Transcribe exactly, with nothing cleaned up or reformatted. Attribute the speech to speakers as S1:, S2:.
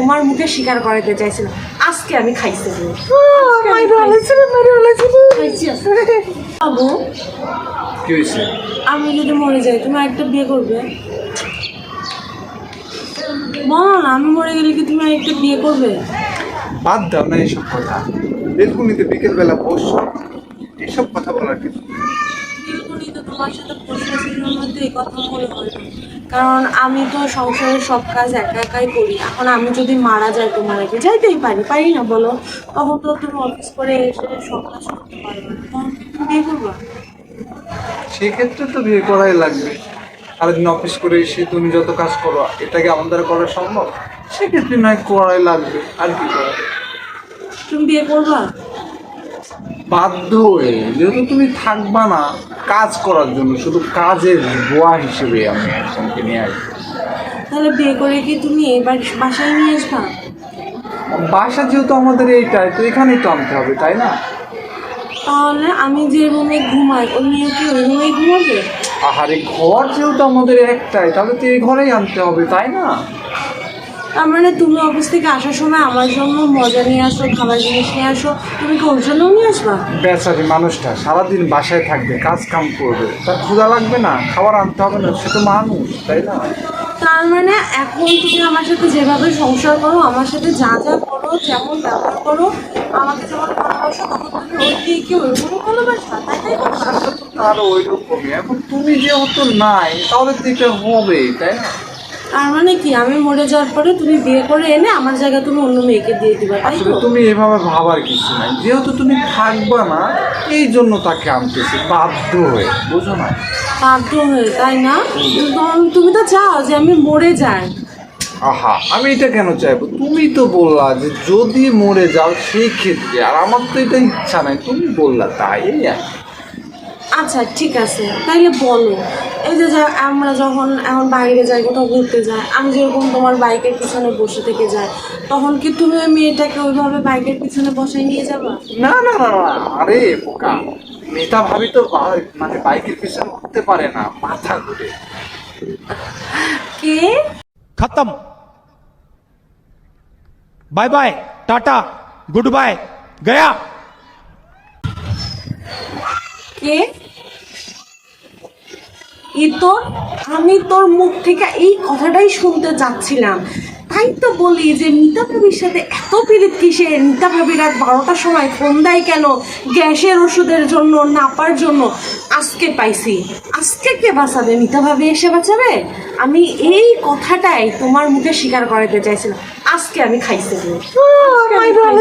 S1: তোমার মুখে স্বীকার করাতে চাইছিলাম, আজকে আমি খাইছি। বাবু
S2: কি হয়েছে?
S1: আমি যদি মরে যাই তুমি একটা বিয়ে করবে? বলো না, আমি মরে গেলে কি তুমি একটা বিয়ে করবে?
S2: বাদ দাও না এইসব কথা। বেলকুনিতে বিকেল বেলা বসছো, এসব কথা বলার কিছু নেই।
S1: বিলকুলই তো তোমার সাথে প্রশ্নের মধ্যে এই কথা মনে হয় না, কারণ আমি তো সংসারের সব কাজ একা একাই করি। এখন আমি যদি মারা যাই, তোমার আগে যাইতেই পারি, পারি না বলো? তখন তো তুমি অফিস করে এসে সব কাজ করতে পারবে না, তখন তুমি বিয়ে করবা?
S2: সেক্ষেত্রে তো বিয়ে করাই লাগবে। সারাদিন অফিস করে এসে তুমি যত কাজ করো, এটাকে আমাদের দ্বারা করা সম্ভব? সেক্ষেত্রে নয় করাই লাগবে, আর কি করা।
S1: তুমি বিয়ে করবা?
S2: বাধ্য হয়ে, যেহেতু তুমি থাকবা না কাজ করার জন্য, শুধু কাজের বোয়া হিসেবে আমি একজনকে নিয়ে আসবো।
S1: তাহলে বিয়ে করে কি তুমি এবার বাসায় নিয়ে আসবা?
S2: বাসা যেহেতু আমাদের এইটাই, তো এখানেই তো আনতে হবে, তাই না?
S1: তাহলে আমি যে রুমে ঘুমাই ওই মেয়ে কি ওই রুমেই ঘুমাবে?
S2: আহারে, ঘর যেহেতু আমাদের একটাই, তাহলে তো এই ঘরেই আনতে হবে, তাই না?
S1: তার মানে তুমি অফিস থেকে আসার সময় আমার জন্য মজা নিয়ে আসো, খাবার জিনিস নিয়ে আসো, তুমি কি ওর জন্যও নিয়ে আসবা?
S2: বেচারি মানুষটা সারাদিন বাসায় থাকবে, কাজ কাম করবে, তার ক্ষুধা লাগবে না? খাবার আনতে হবে না? সে তো মানুষ, তাই না?
S1: তার মানে এখন তুমি আমার সাথে যেভাবে সংসার করো, আমার সাথে যা যা করো, যেমন ব্যবহার করো, আমাকে যেমন ভালোবাসো, তখন তুমি ওই দিয়ে কি ওইরকম ভালোবাসা, তাই তাই করবা?
S2: আরো ওই রকমই। এখন তুমি যেহেতু নাই, তাহলে তো এটা হবে, তাই না?
S1: তার মানে কি আমি মরে যাওয়ার পরে তুমি বিয়ে করে এনে আমার জায়গায় তুমি অন্য মেয়েকে দিয়ে দিবা, তাই
S2: আসলে
S1: তো?
S2: তুমি এভাবে ভাবার কিছু নাই, যেহেতু তুমি থাকবা না, এই জন্য তাকে আনতেছি বাধ্য হয়ে, বুঝো না?
S1: বাধ্য হয়ে, তাই না? তখন তুমি তো চাও যে আমি মরে যাই।
S2: আহা, আমি এটা কেন চাইবো? তুমি তো বললা যে যদি মরে যাও সেই ক্ষেত্রে, আর আমার তো এটা ইচ্ছা নাই, তুমি বললা তাই। এই আর কি।
S1: আচ্ছা ঠিক আছে, তাইলে বলো, এই যে যা- আমরা যখন এখন বাইরে যাই, কোথাও ঘুরতে যাই, আমি যেরকম তোমার বাইকের পিছনে বসে থেকে যাই, তখন কি তুমি ওই মেয়েটাকে ওইভাবে বাইকের পিছনে বসায় নিয়ে যাবা?
S2: না না না না, আরে বোকা, নেতা ভাবি তো বা- মানে বাইকের পিছনে উঠতে পারে না, মাথা ঘুরে।
S1: কে?
S3: खत्म। Bye bye, ta-ta, good bye, गया।
S1: কে? ই তোর, আমি তোর মুখ থেকে এই কথাটাই শুনতে চাচ্ছিলাম। তাই তো বলি যে মিতা ভাবির সাথে এত পীড়িত কিসের? মিতা ভাবি রাত বারোটার সময় ফোন দেয় কেন? গ্যাসের ওষুধের জন্য, নাপার জন্য। আজকে পাইছি, আজকে কে বাঁচাবে? মিতা ভাবি এসে বাঁচাবে? আমি এই কথাটাই তোমার মুখে স্বীকার করাতে চাইছিলাম, আজকে আমি খাইছি। আজকে আমি খাইছি।